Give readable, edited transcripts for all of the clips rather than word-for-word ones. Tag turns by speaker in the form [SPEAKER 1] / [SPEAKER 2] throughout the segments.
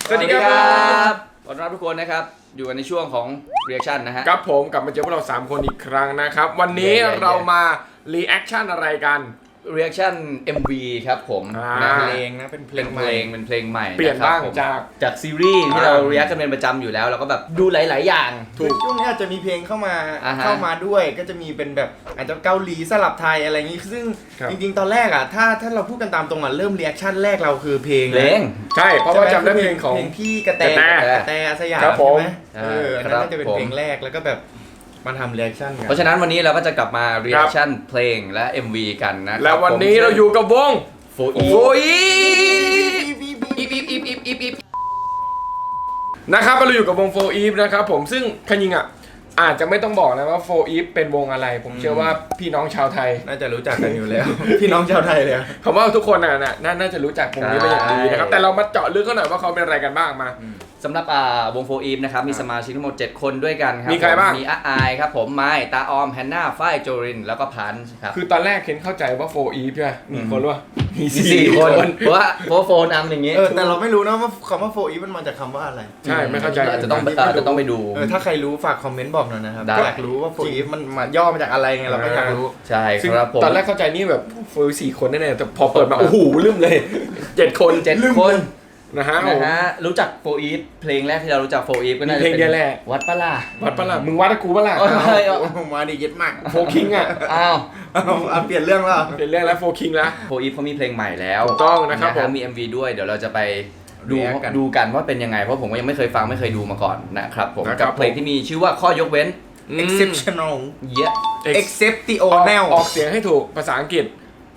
[SPEAKER 1] สวัสดีครับ
[SPEAKER 2] ต้อนรับทุกคนนะครับอยู่กันในช่วงของ reaction นะฮะ
[SPEAKER 1] ครับผมกลับมาเจอพวกเรา3คนอีกครั้งนะครับวันนี้เรามา reaction อะไรกัน
[SPEAKER 2] reaction MV ครับผมนะ
[SPEAKER 3] เพลงนะเป็นเพลงใหม่
[SPEAKER 2] เป็นเพลงใหม่
[SPEAKER 1] เปลี่ยนบ้าง
[SPEAKER 2] จากซีรีส์ที่เรา react กันเป็นประจำอยู่แล้วเราก็แบบดูหลายๆอย่าง
[SPEAKER 3] ถูกช่วงนี้อาจจะมีเพลงเข้ามา
[SPEAKER 2] ฮะ
[SPEAKER 3] ด้วยก็จะมีเป็นแบบอาจจะเกาหลีสลับไทยอะไรอย่างงี้ซึ่งจริงๆตอนแรกอ่ะถ้าเราพูดกันตามตรงอ่ะเริ่มรีแอคชั่นแรกเราคือเพลง
[SPEAKER 1] ใช่เพราะว่าจำได้เพลงของ
[SPEAKER 3] เพลงพี่กระแตอาสยาม
[SPEAKER 1] ครับผม
[SPEAKER 3] ใช่ไหมอันนั้นน่าจะเป็นเพลงแรกแล้วก็แบบมาทำรีแอคชั่นกัน
[SPEAKER 2] เพราะฉะนั้นวันนี้เราก็จะกลับมา reaction เพลงและ MV กันนะ
[SPEAKER 1] แล้ววันนี้เราอยู่กับวง
[SPEAKER 2] โฟอี
[SPEAKER 1] นะครับเราอยู่กับวง4 Eve นะครับผมซึ่งขยิงอ่ะอาจจะไม่ต้องบอกนะว่า4 Eve เป็นวงอะไรผมเชื่อว่าพี่น้องชาวไทย
[SPEAKER 3] น่าจะรู้จักกันอยู่แล้ว พี่น้องชาวไทยเลย
[SPEAKER 1] ผมว่าทุกคนน่าจะรู้จักวงนี้เป็นอย่างดีนะครับแต่เรามาเจาะลึกกันหน่อยว่าเขาเป็นอะไรกันบ้างมา
[SPEAKER 2] สำหรับวง4 Eve นะครับมีสมาชิกทั้งหมด7คนด้วยกันครับ
[SPEAKER 1] มีใครบ้าง
[SPEAKER 2] มีอาอายครับผมไม้ตาออมแฮนนาฝ้ายโจรินแล้วก็พันครับ
[SPEAKER 1] คือตอนแรกเคนเข้าใจว่า4 Eve ใช่ไหมมีคนรู้ว่ามี
[SPEAKER 2] 4 คนเพราะว่าโฟนอัมอย่างงี้
[SPEAKER 3] แต่เราไม่รู้นะว่าคำว่าโฟอีฟมันมาจากคำว่าอะไร
[SPEAKER 1] ใช่ไม่เข้าใจ
[SPEAKER 2] อาจจะต้องไปดู
[SPEAKER 3] ถ้าใครรู้ฝากคอมเมนต์บอกหน่อยนะครับ
[SPEAKER 2] ได้
[SPEAKER 3] อยากรู้ว่าโฟอีฟมันมาย่อมาจากอะไรไงเราก็อยากรู้
[SPEAKER 2] ใช่
[SPEAKER 1] ซึ่ง
[SPEAKER 2] ครับผม
[SPEAKER 1] ตอนแรกเข้าใจนี่แบบ4 คนแน่ๆแต่พอเปิดมาโอ้โหลืมเลย7 คน
[SPEAKER 2] 7 คน
[SPEAKER 1] นะฮะ
[SPEAKER 2] รู้จักโฟอีฟเพลงแรกที่เรารู้จักโฟอีฟก็น่าจะ
[SPEAKER 1] เพลง
[SPEAKER 2] เป็น
[SPEAKER 1] เดียวแหละ
[SPEAKER 2] วัดปะล่ะ
[SPEAKER 1] วัดปะล่ะมึงวัดกับกูปะล่ะ
[SPEAKER 3] มาดิเย็ดมาก
[SPEAKER 1] โฟคิงอ่ะ
[SPEAKER 2] อ้าว
[SPEAKER 3] เปลี่ยนเรื่องแล้ว
[SPEAKER 1] เป็นเรื่องแล้วโฟคิงแล้ว
[SPEAKER 2] โฟอีฟเขามีเพลงใหม่แล้ว
[SPEAKER 1] ถูกต้องนะครับผม
[SPEAKER 2] มี MV ด้วยเดี๋ยวเราจะไปดู
[SPEAKER 3] react กัน
[SPEAKER 2] ดูกันว่าเป็นยังไงเพราะผมก็ยังไม่เคยฟังไม่เคยดูมาก่อนนะครับผม
[SPEAKER 1] นะครับ
[SPEAKER 2] กับเพลงที่มีชื่อว่าข้อยกเว้น
[SPEAKER 3] exceptional
[SPEAKER 2] เยอะ
[SPEAKER 3] exceptional
[SPEAKER 1] ออกเสียงให้ถูกภาษาอังกฤษ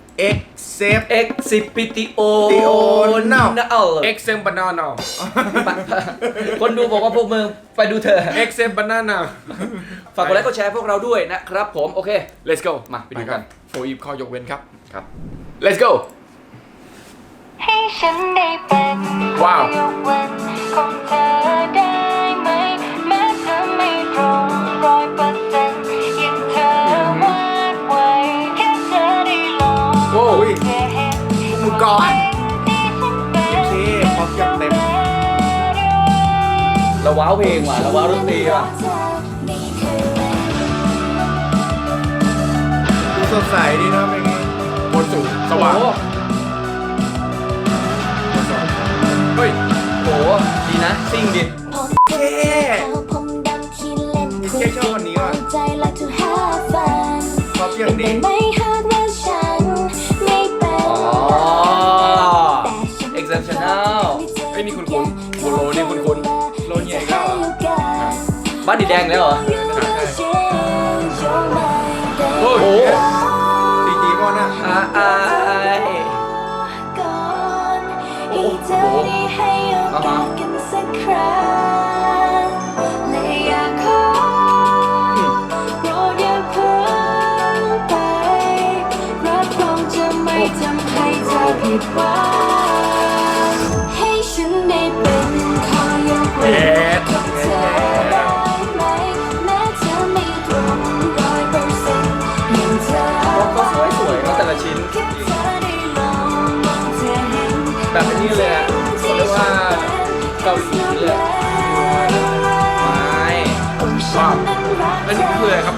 [SPEAKER 2] exceptional
[SPEAKER 1] Exem banana
[SPEAKER 2] คนดูบอกว่าพวกมึงไปดูเถอะ
[SPEAKER 1] Exem banana
[SPEAKER 2] ฝากกดไลค์กดแชร์พวกเราด้วยนะครับผมโอเค
[SPEAKER 1] Let's go
[SPEAKER 2] มาไปดูกัน
[SPEAKER 1] โฟอีฟข้อยกเว้นครับ
[SPEAKER 2] ครับ
[SPEAKER 1] Let's go
[SPEAKER 4] ให้ฉันได้เป็น
[SPEAKER 1] ว้าว
[SPEAKER 4] ยกเว้นของเธอได้ไหมแม้เธอไม่ตรง100%ยังเธอวาดไว้แค่เธอได้ลอง
[SPEAKER 1] โอ้ย
[SPEAKER 4] แค่เห็น
[SPEAKER 3] มุกก่อน
[SPEAKER 4] ที่ฉันเป็น
[SPEAKER 3] โอเคพร้อมจัดเต็ม
[SPEAKER 2] เราว้าวเพลงว่ะเราว้าวดนตรีว่ะ
[SPEAKER 3] ดูสดใสดีนะเพลงนี้
[SPEAKER 1] บนสูงสว่าง
[SPEAKER 2] โอ้
[SPEAKER 1] เฮ้ย
[SPEAKER 2] โหดีนะซิ่งดิ
[SPEAKER 3] แค่ชอบคนนี้ว่ะพร้อมอย่างนี้
[SPEAKER 2] อ๋อ exceptional
[SPEAKER 1] ไอ้นี่คุณโบโลนี่คุณ
[SPEAKER 3] โลเนียอีกแล้วเหรอ
[SPEAKER 2] บ้านดีแดงแล้วเหรอ
[SPEAKER 1] โอ้โห
[SPEAKER 3] ซีจีก่อนนะ
[SPEAKER 2] อาย
[SPEAKER 4] โอ้โหอ่าฮะและอยากขอโปรดอย่าเพิ่งไปรับรองจะไม่ทำให้เธอผิดหวังให้ฉันได้เป็นข้อยกเว้นของเธอได้ไหมแม้เธอไม่ตรง100%ยังเธอ
[SPEAKER 2] ก็สวยๆก็แต่ละชิ้น
[SPEAKER 4] แค่เธอได้ลองมองเธอเห็น
[SPEAKER 2] แบบนี้เลยอ่ะเขาเรียกว่าเกาหลีเลยไม่
[SPEAKER 1] ว้าวแล้วนี่คืออะไรครับ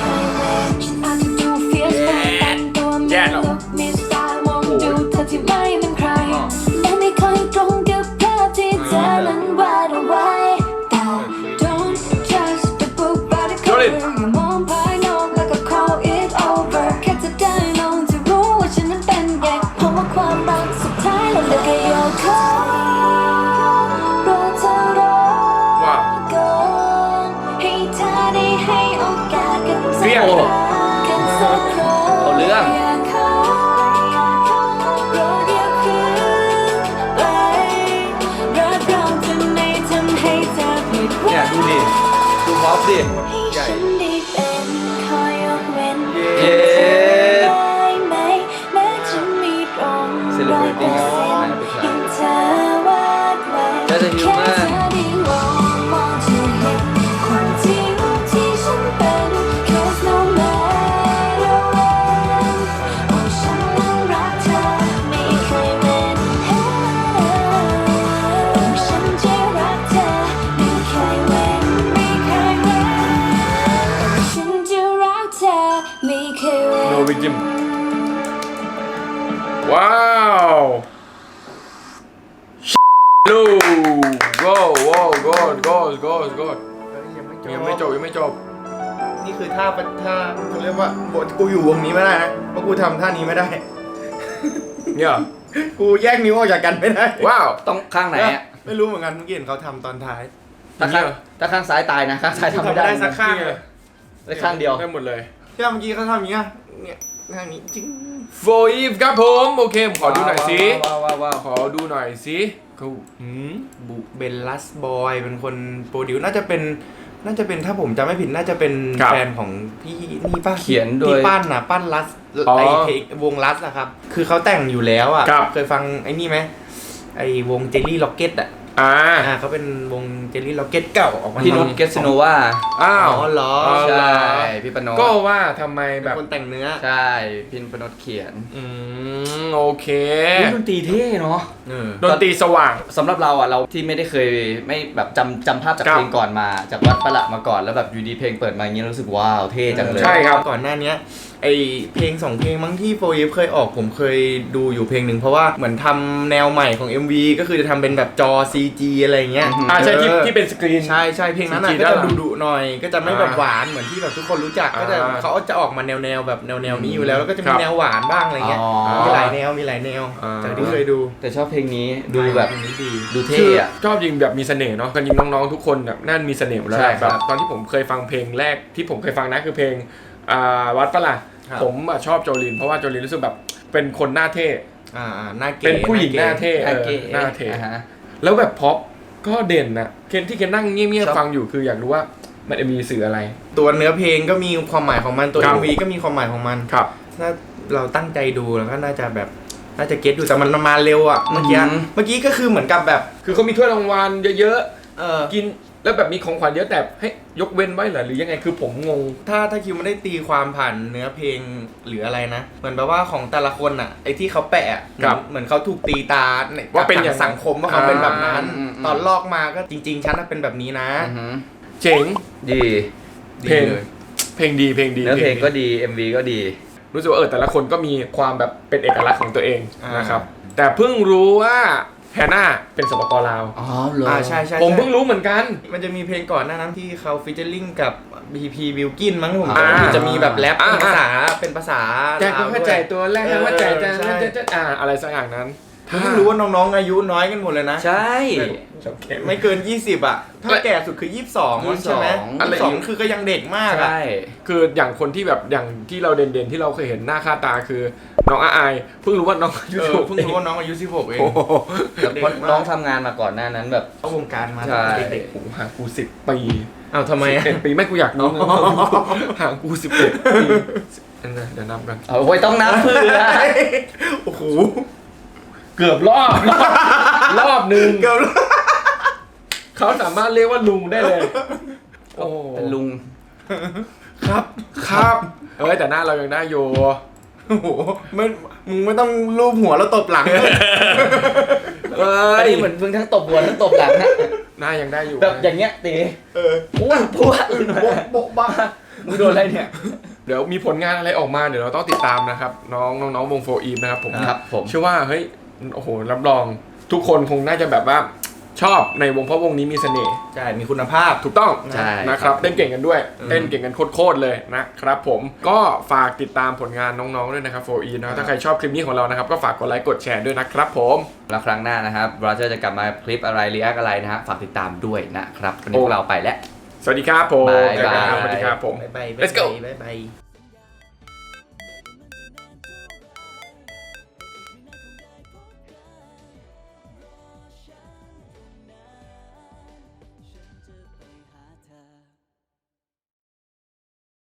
[SPEAKER 1] แย่แล้ว
[SPEAKER 4] มีสไตล์มองดูเธอที่ไม่เป็นใครและไม่ค่อยตรงกับภาพที่เธอนั้นวาดเอาไว้แต่ don't judge the book by the cover อย่ามองภายนอกแล้วก็ call it over แค่จะได้ลองจะรู้ว่าฉันนั้นเป็นไงเพราะว่าความรักสุดท้ายแล้วก็โยกเข้ารอเธอรอ
[SPEAKER 1] ว้าว
[SPEAKER 4] ก่อนให้เธอได้ให้โอกาสกันสัก
[SPEAKER 1] เปรี้
[SPEAKER 4] ค
[SPEAKER 1] ยว
[SPEAKER 4] รั้งกันสักครั้ง
[SPEAKER 2] เอาเรื่อง
[SPEAKER 4] อยากขอโปรดอย่าเพิ่งไปรับรองจะไม่ทำให้เธอผิดหวั
[SPEAKER 2] เนี่ย
[SPEAKER 4] ง
[SPEAKER 2] ดูดิดูพร็อพดิ
[SPEAKER 4] ให้ฉันได้เป็นข้อยกเว้น
[SPEAKER 2] เย้
[SPEAKER 4] ได้ไหมแม้จะมีตรง
[SPEAKER 2] Celebrity
[SPEAKER 4] 100%ยังเธอวาดไว้
[SPEAKER 2] น่าจะหิวมาก
[SPEAKER 4] แค่เธอได้ลองมองจะเห็นความจริงที่ฉันเป็น 'cause no matter when โอ้ฉันนั้นรักเธอไม่เคยเป็นโอ้ฉันจะ
[SPEAKER 1] จิ้มว้าวลูโก้โว้โก้โก้โก้โก้ยังไม่จบยังไม่จบ
[SPEAKER 3] นี่คือถ้าเขาเรียกว่ากูอยู่วงนี้ไม่ได้นะเพราะกูทำท่านี้ไม่ได้
[SPEAKER 1] เนี่ย
[SPEAKER 3] กูแยกนิ้วออกจากกันไม่ได้
[SPEAKER 1] ว้าว
[SPEAKER 2] ต้องข้างไหนอ่ะ
[SPEAKER 3] ไม่รู้เหมือนกันเมื่อกี้เห็นเขาทำตอนท้าย
[SPEAKER 2] ถ้าข้างซ้ายตายนะข้างซ้ายทำไม่ได้
[SPEAKER 3] สักข้างเลย
[SPEAKER 2] ได้ข้างเดียว
[SPEAKER 1] ได้หมดเลย
[SPEAKER 3] ที่เมื่อกี้เขาทำอย่างเงี้ยเนี่ยข้างนี้จริง
[SPEAKER 1] โฟอีฟครับผมโอเคผมขอดูหน่อยสิ
[SPEAKER 2] ว้าว
[SPEAKER 1] ขอดูหน่อยสิเขา
[SPEAKER 3] บุเบลลัสบอยเป็นคนโปรดิวน่าจะเป็นถ้าผมจำไม่ผิดน่าจะเป็นแฟนของพี่นี่ป้า
[SPEAKER 2] เขียนโดย
[SPEAKER 3] ที่ปั้นลัสไอเพลงวงลัสนะครับคือเขาแต่งอยู่แล้วอ่ะเคยฟังไอ้นี่ไหมไอวงเจลลี่ล็อกเก็ตอ่ะเขาเป็นวงเจลลี่ล็อกเก็ตเก่าออกมา
[SPEAKER 2] พี่นุชเกสโนวา
[SPEAKER 1] อ้าว
[SPEAKER 3] อ๋อเหรอ
[SPEAKER 2] ใช่พี่ปน
[SPEAKER 1] ก็ว่าทำไม
[SPEAKER 3] แบ
[SPEAKER 1] แบบ บ
[SPEAKER 3] คนแต่งเนื้อ
[SPEAKER 2] ใช่พี่ปนเขียน
[SPEAKER 1] โอเค
[SPEAKER 2] ดนตรีเท่เนาะ
[SPEAKER 1] ดนตรีสว่าง
[SPEAKER 2] สำหรับเราอ่ะเราที่ไม่ได้เคยไม่แบบจำภาพจาก
[SPEAKER 1] ครับ
[SPEAKER 2] เพลงก่อนมาจากวัดประหละมาก่อนแล้วแบบอยู่ดีเพลงเปิดมาอย่างเงี้ยรู้สึกว้าวเท่จังเลย
[SPEAKER 1] ใช่ครับ
[SPEAKER 3] ก่อนหน้านี้ไอเพลง2เพลงมั้งที่โฟอีฟเคยออกผมเคยดูอยู่เพลงหนึ่งเพราะว่าเหมือนทำแนวใหม่ของ MV ก็คือจะทำเป็นแบบจอ CG อะไรเงี้ย
[SPEAKER 1] ใช่ที่เป็นสกรีน
[SPEAKER 3] ใช่เพลงนั้น
[SPEAKER 1] CG
[SPEAKER 3] ก็
[SPEAKER 1] ด้าน
[SPEAKER 3] จะ
[SPEAKER 1] หลัง
[SPEAKER 3] ดุๆหน่อย ก็จะไม่แบบหวานเหมือนที่แบบทุกคนรู้จักก็จะเขาจะออกมาแนวแบบแนวนี้อยู่แล้วแล้วก็จะมีแนวหวานบ้างอะไรเงี้ยมีหลายแนวจากที่เคยดู
[SPEAKER 2] แต่ชอบเพลงนี้ดูแบบ
[SPEAKER 3] เพลงนี้ดี
[SPEAKER 2] ดูเท่
[SPEAKER 1] คือ
[SPEAKER 2] อะ
[SPEAKER 1] ชอบยิงแบบมีเสน่ห์เนาะกันยิงน้องๆทุกคนแบบนั่นมีเสน่ห์หมดแล้ว
[SPEAKER 2] ใช่
[SPEAKER 1] แหละ
[SPEAKER 2] ครับ
[SPEAKER 1] แบบตอนที่ผมเคยฟังเพลงแรกที่ผมเคยฟังนะคือเพลงวัดปะล่ะผมชอบโจลินเพราะว่าโจลินรู้สึกแบบเป็นคนหน้าเท่
[SPEAKER 3] หน้าเก๋
[SPEAKER 1] เป็นผู้หญิงหน้าเท่
[SPEAKER 2] โอเค
[SPEAKER 1] หน้าเท่
[SPEAKER 2] อ่าฮะ
[SPEAKER 1] แล้วแบบพ็อปก็เด่นนะเคนที่เคนนั่งเงียบๆฟังอยู่คืออยากรู้ว่ามันมีสื่ออะไร
[SPEAKER 3] ตัวเนื้อเพลงก็มีความหมายของมันตัว
[SPEAKER 1] ครับ
[SPEAKER 3] MV ก็มีความหมายของมัน
[SPEAKER 1] ครับ
[SPEAKER 3] ถ้าเราตั้งใจดูแล้วก็น่าจะเก็ตอยู่แต่มันมาเร็วอ่ะเมื่อกี้ก็คือเหมือนกับแบบ
[SPEAKER 1] คือเขามีถ้วยรางวัลเยอะ
[SPEAKER 3] เออ
[SPEAKER 1] ๆกินแล้วแบบมีของขวัญเยอะแต่ให้ยกเว้นไว้เหรอหรือยังไงคือผมงง
[SPEAKER 3] ถ้าคิวไม่ได้ตีความผ่านเนื้อเพลงหรืออะไรนะเหมือนแบบว่าของแต่ละคนอ่ะไอ้ที่เขาแปะอะ
[SPEAKER 1] ครับ
[SPEAKER 3] เหมือนเขาถูกตีตา
[SPEAKER 1] ว่าเป็นอย่างนั้น
[SPEAKER 3] สังคมว่าเขาเป็นแบบนั้น
[SPEAKER 2] อืม
[SPEAKER 3] ตอนลอกมาก็จริง ๆ ฉันน่ะเป็นแบบนี้นะ
[SPEAKER 2] อือหือ
[SPEAKER 1] เจ๋ง
[SPEAKER 2] ดี
[SPEAKER 1] เพลง
[SPEAKER 3] ดีเลย
[SPEAKER 1] เพลงดี
[SPEAKER 2] เนื้อเพลงก็ดี MV ก็ดี
[SPEAKER 1] รู้สึกว่าแต่ละคนก็มีความแบบเป็นเอกลักษณ์ของตัวเอง
[SPEAKER 3] อ่าน
[SPEAKER 1] นะครับแต่เพิ่งรู้ว่าแฮน่าเป็นสปปลาว
[SPEAKER 2] อ๋อเหรอ
[SPEAKER 3] ใช่
[SPEAKER 1] ผมเพิ่งรู้เหมือนกัน
[SPEAKER 3] มันจะมีเพลงก่อนหน้านั้นที่เขาฟีเจอริ่งกับ BP Wilkin มั้งผม
[SPEAKER 1] อ่า
[SPEAKER 3] จำไม่ผิดจะมีแบบแรป
[SPEAKER 1] อ่า
[SPEAKER 3] เป็นภาษา
[SPEAKER 1] แจ็คก็เข้าใจตัวแรกเข้าใจแต่
[SPEAKER 3] ใช่
[SPEAKER 1] อะไรสักอย่างนั้น
[SPEAKER 3] เพิ่งรู้ว่าน้องๆอายุน้อยกันหมดเลยนะ
[SPEAKER 2] ใช่
[SPEAKER 3] ไม่เกิน 20 อ่ะ ถ้าแก่สุดคือ 22 ใช่ไหม
[SPEAKER 1] อะไร
[SPEAKER 3] 22 คือก็ยังเด็กมากอ่ะ
[SPEAKER 2] ใช่
[SPEAKER 1] คืออย่างคนที่แบบอย่างที่เราเด่นๆที่เราเคยเห็นหน้าค่าตาคือน้องอาอายเพิ่งรู้ว่าน้องอายุ
[SPEAKER 3] เพิ่งรู้ว่าน้องอายุ 16 เอง
[SPEAKER 1] โอ้โห
[SPEAKER 2] แล้วเพราะน้องทำงานมาก่อนหน้านั้นแบบ
[SPEAKER 3] เข้าวงการมา
[SPEAKER 2] ใช่
[SPEAKER 3] เด็ก
[SPEAKER 1] โอ้โหห่างกู10 ปี
[SPEAKER 3] ๆอ้าวทำไมอ่ะ
[SPEAKER 1] 11 ปีไม่กูอยากรู้นะห่างกู11 ปีเดี๋ยวนับกัน
[SPEAKER 2] เอาไว้ต้องนับเพื่อ
[SPEAKER 3] โอ้โห
[SPEAKER 1] เกือบรอบหนึ่ง
[SPEAKER 3] เกือบ
[SPEAKER 1] เขาสามารถเรียกว่าลุงได้เลย โอ้
[SPEAKER 2] เป็นลุง
[SPEAKER 1] ครับแต่หน้าเรายังได้อยู่
[SPEAKER 3] โอ้โหมึงไม่ต้องลูบหัวแล้วตบหลัง
[SPEAKER 2] อันนี้เหมือนมึงทั้งตบหัวทั้งตบหลังฮะ
[SPEAKER 1] หน้ายังได้อยู่
[SPEAKER 2] แบบอย่างเงี้ยตี อ้วนพวก
[SPEAKER 3] โบ๊ะบ้า
[SPEAKER 2] มึงโดนอะไรเนี่ย
[SPEAKER 1] เดี๋ยวมีผลงานอะไรออกมาเดี๋ยวเราต้องติดตามนะครับ น้องวงโฟอีฟนะครับผม
[SPEAKER 2] ครับผม
[SPEAKER 1] เชื่อว่าเฮ้ยโอ้โหรับรองทุกคนคงน่าจะแบบว่าชอบในวงเพราะวงนี้มีเสน่ห์
[SPEAKER 3] ใช่ มีคุณภาพ
[SPEAKER 1] ถูกต้อง
[SPEAKER 2] ใช่
[SPEAKER 1] นะครับเต้นเก่งกันด้วยเต้นเก่งกันโคตรเลยนะครับผมก็ฝากติดตามผลงานน้องๆด้วยนะครับโฟอีนะถ้าใครชอบคลิปนี้ของเรานะครับก็ฝากกดไลค์กดแชร์ด้วยนะครับผม
[SPEAKER 2] แล้วครั้งหน้านะครับบราเจอร์จะกลับมาคลิปอะไรรีแอคอะไรนะฮะฝากติดตามด้วยนะครับวันนี้พวกเราไปแล้ว
[SPEAKER 1] สวัสดีครับผม
[SPEAKER 2] บ๊ายบาย
[SPEAKER 1] สวัสดีครับผม
[SPEAKER 3] บ๊ายบาย
[SPEAKER 1] Let's go
[SPEAKER 3] บ๊ายบาย